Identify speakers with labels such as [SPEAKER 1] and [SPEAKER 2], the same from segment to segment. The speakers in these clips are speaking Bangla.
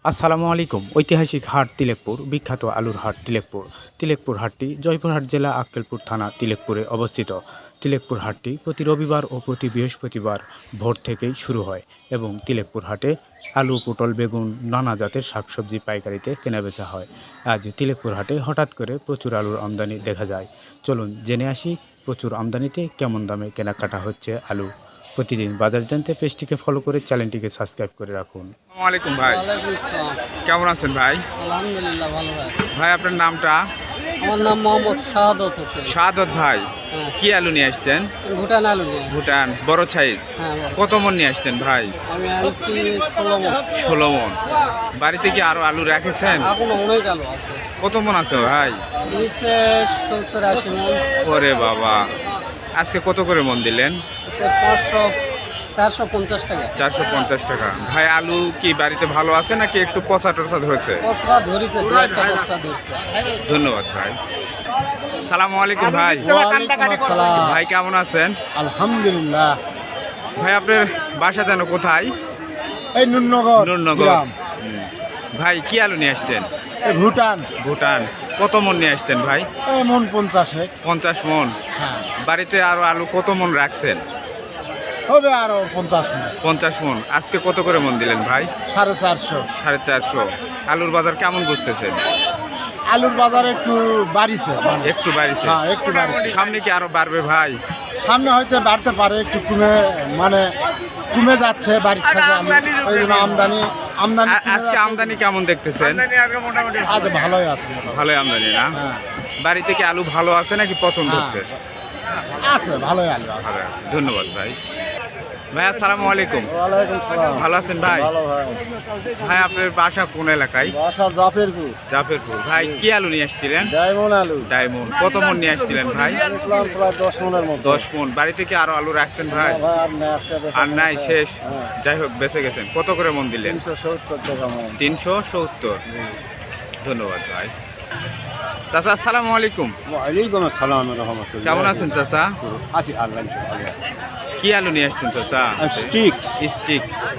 [SPEAKER 1] আসসালামু আলাইকুম। ঐতিহাসিক হাট তিলেকপুর, বিখ্যাত আলুর হাট তিলেকপুর। তিলেকপুর হাটটি জয়পুরহাট জেলা আক্কেলপুর থানা তিলেকপুরে অবস্থিত। তিলেকপুর হাটটি প্রতি রবিবার ও প্রতি বৃহস্পতিবার ভোর থেকেই শুরু হয় এবং তিলেকপুর হাটে আলু, পটল, বেগুন, নানা জাতের শাকসবজি পাইকারিতে কেনাবেচা হয়। আজ তিলেকপুর হাটে হঠাৎ করে প্রচুর আলুর আমদানি দেখা যায়। চলুন জেনে আসি প্রচুর আমদানিতে কেমন দামে কেনাকাটা হচ্ছে আলু। প্রতিদিন বাজার জানতে পেজটিকে ফলো করে চ্যানেলটিকে সাবস্ক্রাইব করে রাখুন। আসসালামু আলাইকুম ভাই,
[SPEAKER 2] ওয়ালাইকুম আসসালাম।
[SPEAKER 1] কেমন আছেন ভাই?
[SPEAKER 2] আলহামদুলিল্লাহ ভালো ভাই।
[SPEAKER 1] ভাই আপনার নামটা?
[SPEAKER 2] আমার নাম মোহাম্মদ শাহাদত হোসেন।
[SPEAKER 1] শাহাদত ভাই,
[SPEAKER 2] হ্যাঁ,
[SPEAKER 1] কি আলু নিয়ে আসছেন?
[SPEAKER 2] ভুটান আলু নিয়ে।
[SPEAKER 1] ভুটান, বড় সাইজ।
[SPEAKER 2] হ্যাঁ বলো।
[SPEAKER 1] কত মন নিয়ে আসছেন ভাই?
[SPEAKER 2] আমি আনছি 16 মণ।
[SPEAKER 1] 16 মন। বাড়িতে কি আরো আলু রেখেছেন?
[SPEAKER 2] এখনো অনেক আলু আছে।
[SPEAKER 1] কত মন আছে ভাই?
[SPEAKER 2] নিচে 70-80 মণ।
[SPEAKER 1] ওরে বাবা, আজকে কত করে মন দিলেন?
[SPEAKER 2] নিচে 450 টাকা।
[SPEAKER 1] 450 টাকা। ভাই আলু কি বাড়িতে ভালো আছে নাকি একটু পচা টচা ধরেছে?
[SPEAKER 2] পচরা ধরেছে, দু একটা পচরা ধরছে।
[SPEAKER 1] ধন্যবাদ ভাই। সালামু আলাইকুম ভাই।
[SPEAKER 2] ওয়ালাইকুম আসসালাম।
[SPEAKER 1] ভাই কেমন আছেন?
[SPEAKER 2] আলহামদুলিল্লাহ।
[SPEAKER 1] ভাই আপনার বাসা যেন কোথায়?
[SPEAKER 2] এই নুরনগর
[SPEAKER 1] নূরনগর। ভাই কি আলু নিয়ে আসছেন?
[SPEAKER 2] ভুটান।
[SPEAKER 1] ভুটান। কত মন নিয়ে আসছেন ভাই?
[SPEAKER 2] এই মণ 50।
[SPEAKER 1] 50 মন।
[SPEAKER 2] হ্যাঁ,
[SPEAKER 1] বাড়িতে আরো আলু কত মন রাখছেন?
[SPEAKER 2] হবে আরো 50 মণ।
[SPEAKER 1] 50 মন। আজকে কত করে মন দিলেন ভাই?
[SPEAKER 2] 450।
[SPEAKER 1] 450। আলুর বাজার কেমন বুঝতেছেন?
[SPEAKER 2] আলুর বাজার একটু বাড়িছে,
[SPEAKER 1] একটু বাড়ছে।
[SPEAKER 2] হ্যাঁ একটু বাড়িছে।
[SPEAKER 1] সামনে কি আরো বাড়বে ভাই?
[SPEAKER 2] সামনে হয়তো বাড়তে পারে, একটু কমে যাচ্ছে বাড়ির থেকে আলু। ওই জন্য আমদানি কমে
[SPEAKER 1] আজকে
[SPEAKER 2] যাচ্ছে।
[SPEAKER 1] আমদানি কেমন দেখতেছেন?
[SPEAKER 2] আজ ভালোই আছে।
[SPEAKER 1] ভালোই আমদানি না?
[SPEAKER 2] হ্যাঁ,
[SPEAKER 1] বাড়িতে কি আলু ভালো আছে নাকি পছন্দ
[SPEAKER 2] হ্যাঁ।
[SPEAKER 1] হচ্ছে?
[SPEAKER 2] আছে ভালোই আলু আছে।
[SPEAKER 1] ভালো আছে। ধন্যবাদ ভাই। ভাই আসসালামু আলাইকুম।
[SPEAKER 2] ওয়ালাইকুম সালাম।
[SPEAKER 1] ভালো আছেন ভাই?
[SPEAKER 2] ভালো ভাই।
[SPEAKER 1] ভাই আপনার বাসা কোন এলাকায়?
[SPEAKER 2] বাসা জাফরপুর।
[SPEAKER 1] জাফরপুর। ভাই কি আলু নিয়ে আসছিলেন?
[SPEAKER 2] ডায়মন্ড আলু।
[SPEAKER 1] ডায়মন্ড। কত মন নিয়ে আসছিলেন ভাই?
[SPEAKER 2] ইসলাম প্রায় 10 মণের মতো।
[SPEAKER 1] 10 মন। বাড়িতে কি আরো আলু রাখছেন ভাই?
[SPEAKER 2] ভাই আর না আছে
[SPEAKER 1] আর নাই, শেষ। যাই হোক বেঁচে গেছেন। কত করে মন দিলেন?
[SPEAKER 2] 370 টাকা মণ।
[SPEAKER 1] 370। ধন্যবাদ ভাই। চাচা আসসালামু আলাইকুম।
[SPEAKER 2] ওয়ালাইকুম আসসালাম রাহমাতুল্লাহ।
[SPEAKER 1] কেমন আছেন চাচা?
[SPEAKER 2] আছি আল্লাহ ভালো।
[SPEAKER 1] কি আলু নিয়ে আসছেন চাচা?
[SPEAKER 2] Stick
[SPEAKER 1] stick.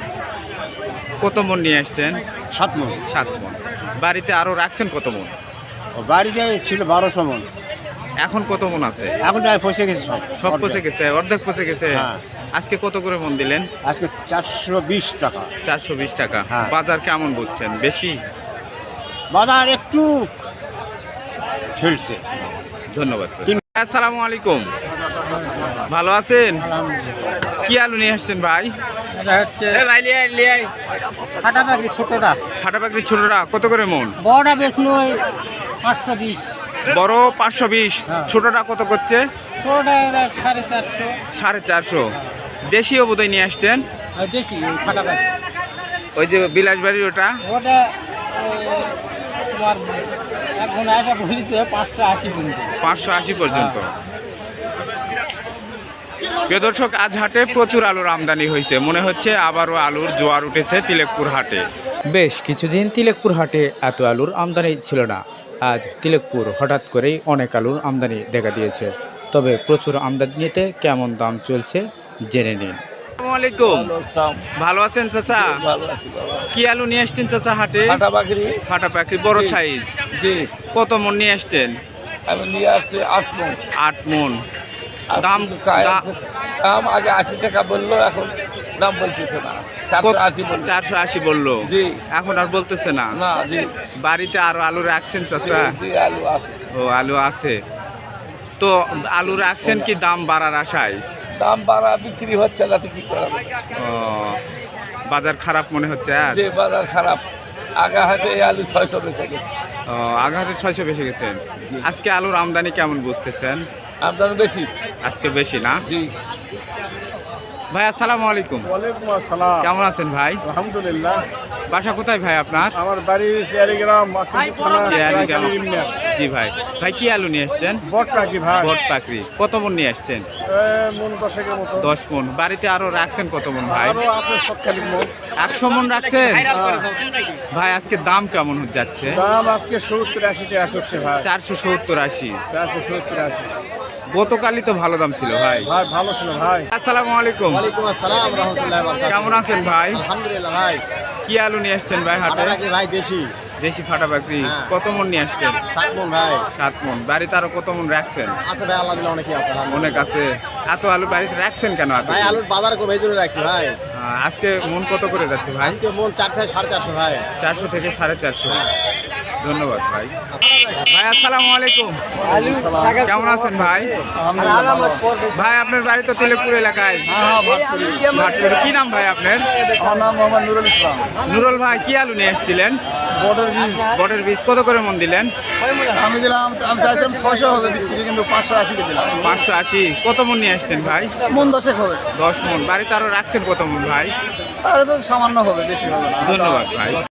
[SPEAKER 1] কত মন নিয়ে আসছেন?
[SPEAKER 2] 7 মণ।
[SPEAKER 1] 7 মন। বাড়িতে আরো রাখছেন কত মন?
[SPEAKER 2] বাড়িতে ছিল 1200 মণ।
[SPEAKER 1] এখন কত মন আছে?
[SPEAKER 2] এখন প্রায় পচে গেছে সব।
[SPEAKER 1] সব পচে গেছে, অর্ধেক পচে গেছে।
[SPEAKER 2] হ্যাঁ।
[SPEAKER 1] আজকে কত করে মন দিলেন?
[SPEAKER 2] আজকে 420 টাকা।
[SPEAKER 1] 420 টাকা।
[SPEAKER 2] হ্যাঁ।
[SPEAKER 1] বাজার কেমন বুঝছেন? বেশি?
[SPEAKER 2] বাজার একটু ঠেলছে।
[SPEAKER 1] ধন্যবাদ। আসসালামু আলাইকুম। ভালো আছেন? কি আলু নিয়ে আসছেন ভাই?
[SPEAKER 2] এটা হচ্ছে ফাটা পাখি ছোটটা।
[SPEAKER 1] ফাটা পাখি ছোটটা কত করে মন?
[SPEAKER 2] বড়টা বেশ নয় 520।
[SPEAKER 1] বড় 520।
[SPEAKER 2] হ্যাঁ।
[SPEAKER 1] ছোটটা কত করছে?
[SPEAKER 2] ছোটটা 450।
[SPEAKER 1] 450। দেশীয় বোধহয় নিয়ে আসছেন?
[SPEAKER 2] আর দেশি ওই ফাটা পাখি।
[SPEAKER 1] ওই যে বিলাসবাড়ির ওটা?
[SPEAKER 2] ওটা তোমার এখন আসা বলেছে 580 পর্যন্ত।
[SPEAKER 1] 580 পর্যন্ত। প্রিয় দর্শক, আজ হাটে প্রচুর আলুর আমদানি হয়েছে। মনে হচ্ছে আবারও আলুর জোয়ার উঠেছে তিলেকপুর হাটে। বেশ কিছুদিন তিলেকপুর হাটে এত আলুর আমদানি ছিল না। আজ তিলেকপুর হঠাৎ করেই অনেক আলুর আমদানি দেখা দিয়েছে। তবে প্রচুর আমদানিতে কেমন দাম চলছে জেনে নিন। আসসালামু আলাইকুম। ভালো আছেন চাচা?
[SPEAKER 2] ভালো আছি বাবা।
[SPEAKER 1] কি আলু নিয়ে আসছেন চাচা হাটে?
[SPEAKER 2] ফাটা পাখি।
[SPEAKER 1] ফাটা পাখি বড়
[SPEAKER 2] জি।
[SPEAKER 1] সাইজ।
[SPEAKER 2] জি,
[SPEAKER 1] কত মন নিয়ে আসছেন?
[SPEAKER 2] আমি নিয়ে আসছি 8 মণ।
[SPEAKER 1] 8 মন।
[SPEAKER 2] আর
[SPEAKER 1] দাম
[SPEAKER 2] কিছু খায় আছে। দাম আগে 80 টাকা বললো, এখন দাম বলতেছে না। 480 বললো।
[SPEAKER 1] 480 বললো।
[SPEAKER 2] জি।
[SPEAKER 1] এখন আর বলতেছে না?
[SPEAKER 2] না জি।
[SPEAKER 1] বাড়িতে আরো আলু রাখছেন
[SPEAKER 2] জি,
[SPEAKER 1] চাচা?
[SPEAKER 2] জি আলু আছে।
[SPEAKER 1] ও আলু আছে। তো আলু রাখছেন কি দাম বাড়ার আশায়?
[SPEAKER 2] দাম বাড়া বিক্রি হচ্ছে না তো কি করা যাবে?
[SPEAKER 1] ও, বাজার খারাপ মনে হচ্ছে আর?
[SPEAKER 2] যে বাজার খারাপ। আগা হাটে এই আলু 600 বেচে গেছে।
[SPEAKER 1] ও, আঘাতে 600 বেশি গেছেন।
[SPEAKER 2] জি।
[SPEAKER 1] আজকে আলুর আমদানি কেমন বুঝতেছেন?
[SPEAKER 2] আমদানি বেশি।
[SPEAKER 1] আজকে বেশি না?
[SPEAKER 2] জি।
[SPEAKER 1] ভাই আসসালামু আলাইকুম।
[SPEAKER 3] ওয়ালাইকুম আসসালাম।
[SPEAKER 1] কেমন আছেন ভাই?
[SPEAKER 3] আলহামদুলিল্লাহ।
[SPEAKER 1] বাসা কোথায় ভাই আপনার?
[SPEAKER 3] আমার বাড়ি শেয়ারিগ্রাম থানা
[SPEAKER 1] চেয়ারিগ্রাম।
[SPEAKER 3] রায়খালী ইউনিয়ন।
[SPEAKER 1] জি ভাই। ভাই কি আলু নিয়ে আসছেন?
[SPEAKER 3] বট পাখি ভাই।
[SPEAKER 1] বট পাকড়ি। কত মন নিয়ে আসছেন?
[SPEAKER 3] মন 10 মতো।
[SPEAKER 1] 10 মন। বাড়িতে আরো রাখছেন কত মন ভাই?
[SPEAKER 3] আরো আছে সবখানি মন।
[SPEAKER 1] 100 মন রাখছেন? ভাই আজকে দাম কেমন যাচ্ছে?
[SPEAKER 3] দাম আজকে 70-80 টাকা হচ্ছে ভাই।
[SPEAKER 1] 470-80।
[SPEAKER 3] 470-80।
[SPEAKER 1] গতকালই তো ভালো দাম ছিল ভাই।
[SPEAKER 3] ভাই ভালো ছিল ভাই।
[SPEAKER 1] আসসালামু আলাইকুম।
[SPEAKER 2] ওয়ালাইকুম আসসালাম রাহমাতুল্লাহি ওয়া বারাকাতুহু।
[SPEAKER 1] কেমন আছেন ভাই?
[SPEAKER 2] আলহামদুলিল্লাহ ভাই।
[SPEAKER 1] কি আলু নিয়ে আসছেন ভাই হাটে?
[SPEAKER 2] ভাই দেশি
[SPEAKER 1] দেশি ফাটা বাকরি
[SPEAKER 2] হ্যাঁ।
[SPEAKER 1] কত মন নিয়ে আসছেন?
[SPEAKER 2] 7 মন ভাই
[SPEAKER 1] 7 মন। বাড়িতে আরো কত মন রাখছেন?
[SPEAKER 2] আছে ভাই, আল্লাহ দিলে অনেকই আছে
[SPEAKER 1] অনেক আছে। এত আলু বাড়িতে রাখছেন কেন এত?
[SPEAKER 2] ভাই আলুর বাজার কো ভেজে রাখছি ভাই।
[SPEAKER 1] আজকে মন কত করে যাচ্ছে ভাই?
[SPEAKER 2] আজকে মন 4 থেকে 450 ভাই।
[SPEAKER 1] 400 থেকে 450। ধন্যবাদ ভাই। ভাই আসসালামু আলাইকুম। কেমন আছেন ভাই? ভাই আপনার বাড়ি তো তিলেকপুর এলাকায়। ভাটপুরে। কি নাম ভাই আপনার?
[SPEAKER 2] আমার নাম মোহাম্মদ নুরুল ইসলাম।
[SPEAKER 1] নুরুল ভাই কি আলু নিয়ে এসেছিলেন?
[SPEAKER 2] বর্ডার বীজ
[SPEAKER 1] বটের বীজ কত করে মন দিলেন?
[SPEAKER 2] আমি দিলাম, আমি চাইছিলাম 600 হবে বিক্রি, কিন্তু 580 কে দিলাম।
[SPEAKER 1] 580। কত মন নিয়ে আসছেন ভাই?
[SPEAKER 2] মন 10 হবে।
[SPEAKER 1] 10 মন। বাড়িতে আরো রাখছেন কত মন ভাই?
[SPEAKER 2] আর তো সামান্য হবে, বেশি হবে না।
[SPEAKER 1] ধন্যবাদ ভাই।